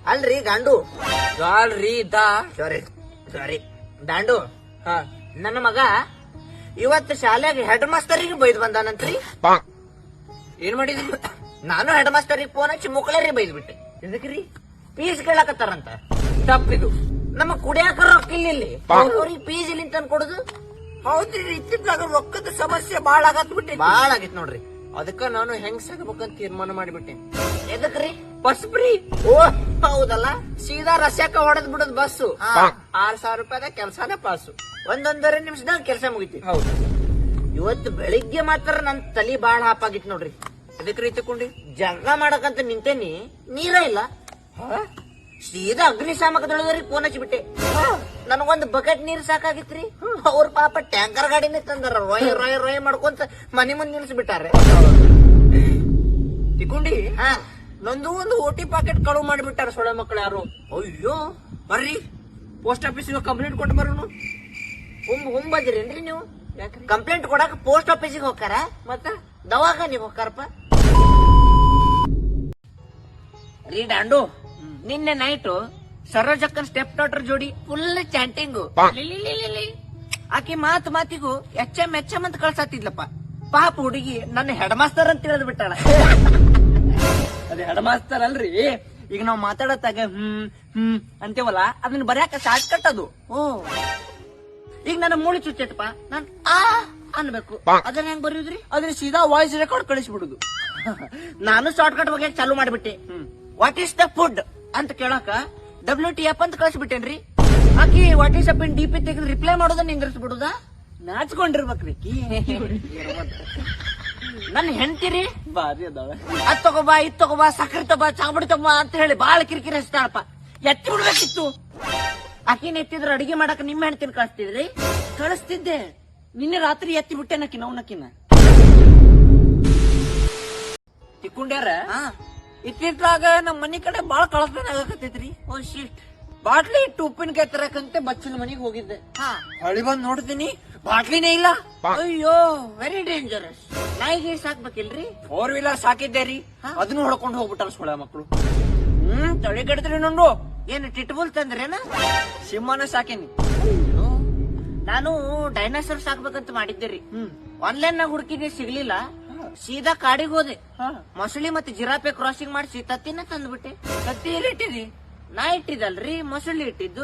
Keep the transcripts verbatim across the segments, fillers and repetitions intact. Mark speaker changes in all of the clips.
Speaker 1: ಅಲ್ರಿ ಗಾಂಡು
Speaker 2: ಸಾಲ್ರಿ ದಾ
Speaker 1: ಸಾರಿ ಸಾರಿ ದಾಂಡು
Speaker 2: ಹಾ
Speaker 1: ನನ್ನ ಮಗ ಇವತ್ತು ಶಾಲೆಗೆ ಹೆಡ್ ಮಾಸ್ತರಿಗೆ ಬೈದ್ ಬಂದಾನಂತ್ರಿ.
Speaker 2: ಏನ್ ಮಾಡಿದ್ರಿ?
Speaker 1: ನಾನು ಹೆಡ್ ಮಾಸ್ತರಿಗೆ ಫೋನ್ ಹಚ್ಚಿ ಮುಕ್ಳರಿ ಬೈದ್ ಬಿಟ್ಟೆ. ಇದಕ್ರಿ ಫೀಸ್ ಕೇಳಕತ್ತಾರಂತ.
Speaker 2: ತಪ್ಪಿದು.
Speaker 1: ನಮ್ಮ ಕುಡಿಯಾಕ ರೊಕ್ಕ ಇಲ್ಲಿ ಅವ್ರಿಗೆ ಫೀಸ್ ಇಲ್ಲಿ ತಂದ್ ಕೊಡುದು.
Speaker 2: ಹೌದ್ರಿ, ಇತ್ತಿದ್ದಾಗ ರೊಕ್ಕದ ಸಮಸ್ಯೆ ಬಾಳ ಆಗತ್ ಬಿಟ್ಟೆ.
Speaker 1: ಬಾಳ ಆಗಿತ್ ನೋಡ್ರಿ.
Speaker 2: ಅದಕ್ಕ ನಾನು ಹೆಂಗ್ ಸಾಗಬೇಕಂತ ತೀರ್ಮಾನ ಮಾಡಿಬಿಟ್ಟೆ.
Speaker 1: ಎದಕ್ರಿ?
Speaker 2: Bus free.
Speaker 1: ಓ ಹೌದಲ್ಲ,
Speaker 2: ಸೀದಾ ರಸ್ಯಾಕ ಹೊಡೆದ್ ಬಿಡದ್ ಬಸ್ಸು.
Speaker 1: ಹಾ.
Speaker 2: ಆರ್ ಸಾವಿರ ರೂಪಾಯಿದ ಕೆಲ್ಸಾನ ಪಾಸು.
Speaker 1: ಒಂದೊಂದರ ನಿಮಿಷದಾಗ ಕೆಲಸ ಮುಗಿತಿ.
Speaker 2: ಹೌದು.
Speaker 1: ಇವತ್ತು ಬೆಳಿಗ್ಗೆ ಮಾತ್ರ ನನ್ ತಲಿ ಬಾಳ ಹಾಪಾಗಿತ್ತು ನೋಡ್ರಿ.
Speaker 2: ಎದಕ್ ರೀ ತಕೊಂಡಿ?
Speaker 1: ಜಗಳ ಮಾಡಕಂತ ನಿಂತೇನಿ, ನೀರ ಇಲ್ಲ. ಸೀದಾ ಅಗ್ನಿಶಾಮಕದೊಳಗರಿಗೆ ಫೋನ್ ಹಚ್ಚಿಬಿಟ್ಟೆ. ನನಗೊಂದು ಬಕೆಟ್ ನೀರ್ ಸಾಕಾಗಿತ್ರಿ. ಅವ್ರ ಪಾಪ ಟ್ಯಾಂಕರ್ ಗಾಡಿನೇ ತಂದಾರ. ರೋಯ್ ರೋಯ್ ರೋಯ್ ಮಾಡ್ಕೊಂತ ಮನಿ ಮುಂದೆ ನಿಲ್ಸ್ಬಿಟ್ಟಾರೆ.
Speaker 2: ತಿಕೊಂಡಿ
Speaker 1: ಹಾ
Speaker 2: ನಂದು ಒಂದು ಓಟಿ ಪಾಕೆಟ್ ಕಳುವು ಮಾಡಿಬಿಟ್ಟಾರ ಸೊಳ್ಳೆ ಮಕ್ಕಳು ಯಾರು.
Speaker 1: ಅಯ್ಯೋ,
Speaker 2: ಬರ್ರಿ ಪೋಸ್ಟ್ ಆಫೀಸಿಗೆ ಕಂಪ್ಲೇಂಟ್ ಕೊಟ್ಟು ಬರೋನು.
Speaker 1: ಹುಂಬ್ ಹುಂಬದಿರೇನ್ರಿ ನೀವು?
Speaker 2: ಯಾಕ್ರಿ?
Speaker 1: ಕಂಪ್ಲೇಂಟ್ ಕೊಡಾಕ ಪೋಸ್ಟ್ ಆಫೀಸಿಗೆ ಹೋಗ್ತಾರ,
Speaker 2: ಮತ್ತ
Speaker 1: ದವಾಖಾನಿಗೆ ಹೋಗ್ತಾರಪ್ಪ. ರೀ ಡಾಂಡು, ನಿನ್ನೆ ನೈಟು ಸರೋಜಕ್ಕನ್ ಸ್ಟೆಪ್ ಡಾಟರ್ ಜೋಡಿ ಫುಲ್ ಚಾಂಟಿಂಗು. ಆಕಿ ಮಾತು ಮಾತಿಗೂ ಎಚ್ ಎಂ ಎಚ್ ಎಂ ಅಂತ ಕಳ್ಸಾತಿದ್ಲಪ್ಪ. ಪಾಪ ಹುಡುಗಿ ನನ್ನ ಹೆಡ್ ಮಾಸ್ತರ್ ಅಂತ ತಿಳಿದ್ ಬಿಟ್ಟಾಳ.
Speaker 2: ಅದೇ ಹೆಡ್ ಮಾಸ್ತರ್ ಅಲ್ರಿ. ಈಗ ನಾವ್ ಮಾತಾಡತ್ತಾಗ ಹ್ಮ್ ಹ್ಮ್ ಅಂತೇವಲ್ಲ, ಅದನ್ನ ಬರ್ಯಾಕ ಶಾರ್ಟ್ ಕಟ್ ಅದು.
Speaker 1: ಓ, ಈಗ ನನ್ನ ಮೂಳಿ ಚುಚ್ಚೈತಪ್ಪ, ನಾನ್ ಆ ಅನ್ಬೇಕು. ಅದನ್ನ ಹೆಂಗ್ ಬರೆಯುದ್ರಿ?
Speaker 2: ಅದ್ರ ಸೀದಾ ವಾಯ್ಸ್ ರೆಕಾರ್ಡ್ ಕಳಿಸ್ಬಿಡುದು.
Speaker 1: ನಾನು ಶಾರ್ಟ್ ಕಟ್ ಬಗ್ಗೆ ಚಾಲು ಮಾಡ್ಬಿಟ್ಟೆ. ವಾಟ್ ಈಸ್ ದ ಫುಡ್ ಅಂತ ಕೇಳಾಕ ಡಬ್ಲ್ಯೂ ಟಿ ಎಫ್ ಅಂತ ಕಳ್ಸಿಬಿಟ್ಟೇನ್ರಿ. ಆಕಿ what is up in D P ತೆಗೆದು ರಿಪ್ಲೈ ಮಾಡೋದನ್ನ ನಿಂದ್ರಿಸ್ಬಿಡುದ?
Speaker 2: ನಾಚ್ಕೊಂಡಿರ್ಬೇಕ್ರಿ.
Speaker 1: ನನ್ ಹೆಂಡ್ತಿರಿ
Speaker 2: ಬಾರಿ ಅದಾವ.
Speaker 1: ಅದ್ ತಗೋಬಾ, ಇದ್ ತಗೋಬಾ, ಸಕ್ಕರೆ ತಗೋಬಾ, ಚಾಂಬಡಿ ತಗೋಬಾ ಅಂತ ಹೇಳಿ ಬಾಳ ಕಿರಿಕಿರಿ ಹಚ್ತಾಳಪ್ಪ. ಎತ್ತಿ ಬಿಡ್ಬೇಕಿತ್ತು. ಆಕಿನ ಎತ್ತಿದ್ರ ಅಡಿಗೆ ಮಾಡಕ್ ನಿಮ್ಮ ಹೆಂಡ್ತಿನ ಕಳಿಸ್ತಿದ್ರಿ? ಕಳಿಸ್ತಿದ್ದೆ. ನಿನ್ನೆ ರಾತ್ರಿ ಎತ್ತಿ ಬಿಟ್ಟೆ ನಕಿನ ಅವನಕಿನ.
Speaker 2: ತಿಕ್ಕೊಂಡ್ಯಾರ
Speaker 1: ಹಾ,
Speaker 2: ಇತ್ತಿತ್ಲಾಗ ನಮ್ ಮನಿ ಕಡೆ ಬಾಳ ಕಳಸ್ತಾನ ಆಗಕತ್ತೈತ್ರಿ.
Speaker 1: ಓ ಶಿಟ್.
Speaker 2: ಬಾಟ್ಲಿ ಇಟ್ಟು ಉಪ್ಪಿನಕಾಯಿ ತರಕಂತೆ ಬಚ್ಚಲ ಮನಿಗ್ ಹೋಗಿದ್ದೆ.
Speaker 1: ಹಾ,
Speaker 2: ಹೊಳಿ ಬಂದ್ ನೋಡ್ತೀನಿ, ಬಾಟ್ಲಿನೇ ಇಲ್ಲ.
Speaker 1: ಅಯ್ಯೋ, ವೆರಿ ಡೇಂಜರಸ್. ನಾಯಿಗೆ ಸಾಕ್ಬೇಕಿಲ್ರಿ?
Speaker 2: ಫೋರ್ ವೀಲರ್ ಸಾಕಿದ್ದೆ ರೀ,
Speaker 1: ಹಾ.
Speaker 2: ಅದನ್ನು ಹೊಡ್ಕೊಂಡು ಹೋಗ್ಬಿಟ್ಟಾರ ಸೊಳ್ಳೆ ಮಕ್ಕಳು. ಹ್ಮ್ ತಳಿ ಕೆಡ್ತ್ರಿ ನಂದು.
Speaker 1: ಏನು ಟಿಟ್ಬುಲ್ ತಂದ್ರೇನ?
Speaker 2: ಸಿಂಹನ ಸಾಕೇನಿ.
Speaker 1: ನಾನು ಡೈನಾಸರ್ ಸಾಕ್ಬೇಕಂತ ಮಾಡಿದ್ದೆ ರೀ.
Speaker 2: ಹ್ಮ್
Speaker 1: ಆನ್ಲೈನ್ ನಾಗ ಹುಡುಕಿದ್ದೆ, ಸಿಗ್ಲಿಲ್ಲ. ಸೀದಾ ಕಾಡಿಗೆ ಹೋದೆ.
Speaker 2: ಹಾ.
Speaker 1: ಮೊಸಳಿ ಮತ್ತೆ ಜಿರಾಪೆ ಕ್ರಾಸಿಂಗ್ ಮಾಡಿಸಿ ತತ್ತಿನ ತಂದ್ಬಿಟ್ಟೆ.
Speaker 2: ಕತ್ತಿ ಎಲ್ಲಿ ಇಟ್ಟಿರಿ?
Speaker 1: ನಾ ಇಟ್ಟಿದ್ದಲ್ರಿ, ಮೊಸಳಿ ಇಟ್ಟಿದ್ದು.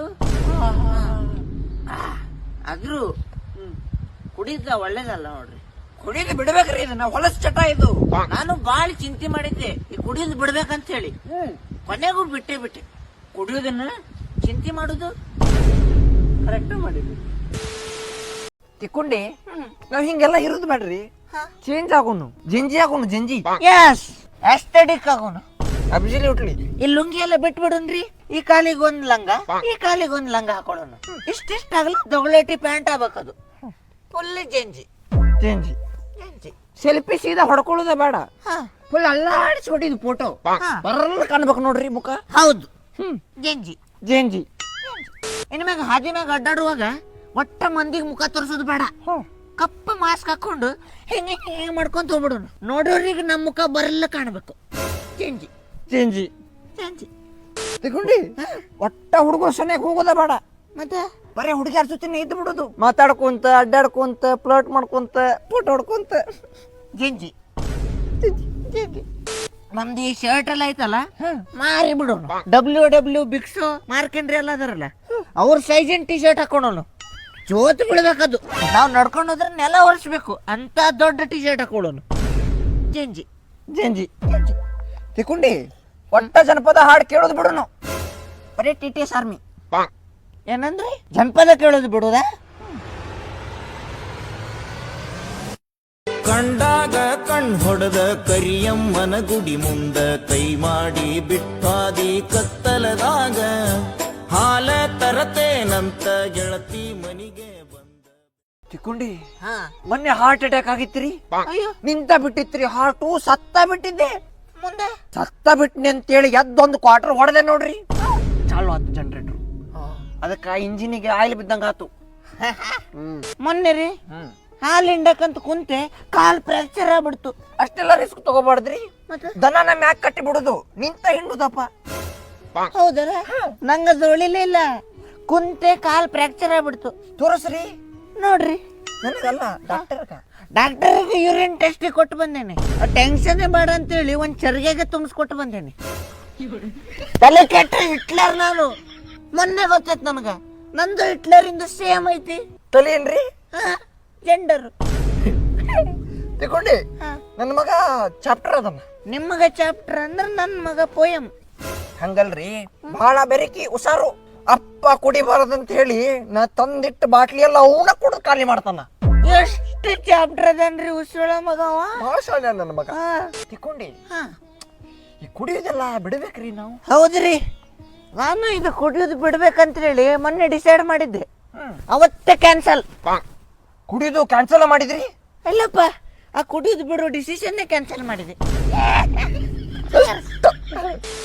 Speaker 1: ಆದ್ರೂ
Speaker 2: ಹ್ಮ್
Speaker 1: ಕುಡಿದ ಒಳ್ಳೇದಲ್ಲ ನೋಡ್ರಿ.
Speaker 2: ಕುಡಿದು ಬಿಡ್ಬೇಕ್ರಿ, ಇದನ್ನ ಹೊಲಸ್ ಚಟ ಇದು.
Speaker 1: ನಾನು ಬಾಳ ಚಿಂತೆ ಮಾಡಿದ್ದೆ ಈ ಕುಡಿದ್ ಬಿಡ್ಬೇಕಂತ ಹೇಳಿ. ಕೊನೆಗೂ ಬಿಟ್ಟೆ ಬಿಟ್ಟೆ.
Speaker 2: ಕುಡಿಯೋದನ್ನ
Speaker 1: ಚಿಂತೆ ಮಾಡುದು
Speaker 2: ಕರೆಕ್ಟ್ ಮಾಡಿದ್ವಿ. ತಿಕ್ಕೊಂಡಿ ನಾವ್ ಹಿಂಗೆಲ್ಲ ಇರೋದು ಬೇಡ್ರಿ. ಚೇಂಜ್ ಆಗೋನು, ಜಿಂಜಿ ಆಗೋನು, ಜಿಂಜಿ.
Speaker 1: ಎಸ್, ಎಸ್ಥೆಟಿಕ್ ಆಗೋನು.
Speaker 2: ಅಬ್ಸಲ್ಯೂಟ್ಲಿ.
Speaker 1: ಈ ಲುಂಗಿ ಎಲ್ಲ ಬಿಟ್ಬಿಡನ್ರಿ. ಈ ಕಾಲಿಗೆ ಒಂದ್ ಲಂಗ, ಈ ಕಾಲಿಗೆ ಒಂದ್ ಲಂಗ ಹಾಕೊಳ್ಳೋಣ. ಇಷ್ಟಿಷ್ಟ ಆಗಲ್ಲ, ದೊಗಲೇಟಿ ಪ್ಯಾಂಟ್ ಆಗ್ಬೇಕದು. Full Gen Z
Speaker 2: change.
Speaker 1: Gen Z.
Speaker 2: Selfie ಸೀದಾ ಹೊಡ್ಕೊಳ್ಳೋದ ಬೇಡ.
Speaker 1: ಹಾ,
Speaker 2: ಫುಲ್ ಅಲ್ಲಾಡಿಸ್ಬಿಟ್ಟಿದ್ ಫೋಟೋ ಬರಲ್ಲ ಕಾಣ್ಬೇಕು ನೋಡ್ರಿ ಮುಖ.
Speaker 1: ಹೌದು,
Speaker 2: ಹ್ಮ್
Speaker 1: ಜೆಂಜಿ.
Speaker 2: ಜೇಂಜಿ.
Speaker 1: ಇನ್ ಮ್ಯಾಗ ಹಾದಿ ಮ್ಯಾಗ ಅಡ್ಡಾಡುವಾಗ ಒಟ್ಟ ಮಂದಿಗೆ ಮುಖ ತೋರಿಸೋದು ಬೇಡ. ಕಪ್ಪ ಮಾಸ್ಕ್ ಹಾಕೊಂಡು ಹೆಂಗ ಹೆಂಗ ಮಾಡ್ಕೊಂತ ಹೋಗ್ಬಿಡೋಣ. ನೋಡೋರಿಗೆ ನಮ್ ಮುಖ ಬರಲ್ಲ ಕಾಣ್ಬೇಕು. ಜೆಂಜಿ
Speaker 2: ಚೇಂಜಿ.
Speaker 1: ಜೆಂಜಿ.
Speaker 2: ತಿಕ್ಕೊಂಡಿ ಒಟ್ಟ ಹುಡುಗರು ಸನ್ಯಾಗ ಹೋಗೋದ ಬೇಡ.
Speaker 1: ಮತ್ತೆ
Speaker 2: ಬರೀ ಹುಡುಗಿಯರ ಜೊತೆನೆ ಇದ್ದು ಬಿಡೋದು, ಮಾತಾಡ್ಕೊಂತ ಅಡ್ಡಾಡ್ಕೊಂತ ಫ್ಲರ್ಟ್ ಮಾಡ್ಕೊಂತ ಫೋಟೋ ಹೊಡ್ಕೊಂತ.
Speaker 1: ಜೆಂಜಿ ಜೆಂಜಿ. ನಮ್ದು ಈ ಶರ್ಟ್ ಎಲ್ಲ ಐತಲ್ಲ, ಮಾರಿ ಬಿಡೋಣ. ಡಬ್ಲ್ಯೂ ಡಬ್ಲ್ಯೂ ಬಿಕ್ಸು ಮಾರ್ಕೆಂಡ್ರಿ ಎಲ್ಲ ಅದರಲ್ಲ, ಅವ್ರ ಸೈಜಿನ ಟಿ ಶರ್ಟ್ ಹಾಕೊಂಡೋನು. ಜೋತ್ ಬಿಡ್ಬೇಕದು. ನಾವ್ ನಡ್ಕೊಂಡು ಹೋದ್ರೆ ನೆಲ ಒರೆಸ್ಬೇಕು ಅಂತ ದೊಡ್ಡ ಟಿ ಶರ್ಟ್ ಹಾಕೊಳ್ಳೋನು. ಜೆಂಜಿ
Speaker 2: ಜೇಂಜಿ. ತಿಕ್ಕೊಂಡಿ ಒಟ್ಟ ಜನಪದ ಹಾಡು ಕೇಳೋದು ಬಿಡೋನು.
Speaker 1: ಬರೀ ಟಿ ಟಿ ಎಸ್ ಆರ್ಮಿ. ಏನಂದ್ರಿ? ಜನಪದ ಕೇಳೋದು ಬಿಡುದ?
Speaker 3: ಕಂಡಾಗ ಕಣ್ ಹೊಡೆದ ಕರಿಯಮ್ಮನ ಗುಡಿ ಮುಂದ ಕೈ ಮಾಡಿ ಬಿಟ್ಟಾದಿ ಕತ್ತಲದಾಗ ಹಾಲ ತರತೇನಂತ ಗೆಳತಿ ಮನಿಗೆ ಬಂದ.
Speaker 2: ತಿಕ್ಕೊಂಡಿ
Speaker 1: ಹಾ,
Speaker 2: ಮೊನ್ನೆ ಹಾರ್ಟ್ ಅಟ್ಯಾಕ್ ಆಗಿತ್ರಿ.
Speaker 1: ಅಯ್ಯೋ,
Speaker 2: ನಿಂತ ಬಿಟ್ಟಿತ್ರಿ ಹಾರ್ಟು. ಸತ್ತ ಬಿಟ್ಟಿದ್ದೆ.
Speaker 1: ಮುಂದೆ
Speaker 2: ಸತ್ತ ಬಿಟ್ನಿ ಅಂತೇಳಿ ಎದ್ದೊಂದು ಕ್ವಾರ್ಟರ್ ಹೊಡೆದೆ ನೋಡ್ರಿ. ಚಾಲು ಆತು ಜನರೇಟರ್. ಅದಕ್ಕ ಇಂಜಿನಿಗೆ ಆಯಿಲ್ ಬಿದ್ದಂಗ ಆತು.
Speaker 1: ಮೊನ್ನೆ ರೀ
Speaker 2: ಹ್ಮ್
Speaker 1: ಹಾಲು ಹಿಂಡಕಂತ ಕುಂತೆ ಕಾಲ್ ಫ್ರಾಕ್ಚರ್ ಆಗ್ಬಿಡ್ತು.
Speaker 2: ಅಷ್ಟೆಲ್ಲ ರಿಸ್ಕ್ ತಗೋಬಾರ್ದ್ರಿ.
Speaker 1: ಮತ್ತೆ
Speaker 2: ದನನ ಮ್ಯಾಕ್ ಕಟ್ಟಿ ಬಿಡುದು, ನಿಂತ ಹಿಂಡುದಪ್ಪ.
Speaker 1: ಹೌದಲ್ಲ ನಂಗ ಅದು ಉಳಿಲೇ ಇಲ್ಲ, ಕುಂತೆ ಕಾಲ್ ಫ್ರಾಕ್ಚರ್ ಆಗ್ಬಿಡ್ತು.
Speaker 2: ತೋರಿಸ್ರಿ
Speaker 1: ನೋಡ್ರಿ,
Speaker 2: ನನಗಲ್ಲ ಡಾಕ್ಟರ್ಗ.
Speaker 1: ಡಾಕ್ಟರ್ಗೆ ಯೂರಿನ್ ಟೆಸ್ಟ್ ಕೊಟ್ಟು ಬಂದೇನೆ. ಟೆನ್ಷನ್ ಬೇಡ ಅಂತೇಳಿ ಒಂದ್ ಚರ್ಗೆಗೆ ತುಂಬಿಸ್ಕೊಟ್ಟು ಬಂದೇನೆ. ತಲೆ ಕೆಟ್ಟ ಹಿಟ್ಲರ್ ನಾನು. ಮೊನ್ನೆ ಗೊತ್ತೈತ್ ನಮಗ, ನಂದು ಹಿಟ್ಲರ್ ಇಂದ ಸೇಮ್ ಐತಿ.
Speaker 2: ತಲೆ ಏನ್ರಿ
Speaker 1: ಜೆಂಡರ್
Speaker 2: ತಿಳ್ಕೊಂಡಿ. ನನ್ನ ಮಗ ಚಾಪ್ಟರ್ ಅದನ್ನ.
Speaker 1: ನಿಮ್ಮಗ ಚಾಪ್ಟರ್ ಅಂದ್ರ ನನ್ ಮಗ ಪೋಯಮ್.
Speaker 2: ಹಂಗಲ್ರಿ, ಬಹಳ ಬೆರಕಿ ಹುಷಾರು. ಅಪ್ಪ ಕುಡಿಬಾರದಂತ ಹೇಳಿ ನಾ ತಂದಿಟ್ಟು ಬಾಟ್ಲಿ ಎಲ್ಲ ಅವನ ಕುಡಿದು ಖಾಲಿ ಮಾಡ್ತಾನ.
Speaker 1: ಎಷ್ಟು ಚಾಪ್ಟರ್ ಅದನ್ರಿ ಉಸಿರೊಳ ಮಗವ.
Speaker 2: ಬಹಳ ಶಾಲೆ ನನ್ನ ಮಗ.
Speaker 1: ಹಾ.
Speaker 2: ತಿಳ್ಕೊಂಡಿ,
Speaker 1: ಹಾ.
Speaker 2: ಈ ಕುಡಿಯೋದೆಲ್ಲ ಬಿಡ್ಬೇಕ್ರಿ ನಾವು.
Speaker 1: ಹೌದ್ರಿ, ನಾನು ಇದು ಕುಡಿಯೋದು ಬಿಡ್ಬೇಕಂತ ಹೇಳಿ ಮೊನ್ನೆ ಡಿಸೈಡ್ ಮಾಡಿದ್ದೆ, ಅವತ್ತೇ ಕ್ಯಾನ್ಸಲ್.
Speaker 2: ಕುಡಿಯೋದು ಕ್ಯಾನ್ಸಲ್ ಮಾಡಿದ್ರಿ?
Speaker 1: ಅಲ್ಲಪ್ಪ, ಆ ಕುಡಿಯೋದು ಬಿಡೋ ಡಿಸಿಷನ್ನೇ ಕ್ಯಾನ್ಸಲ್ ಮಾಡಿದೆ.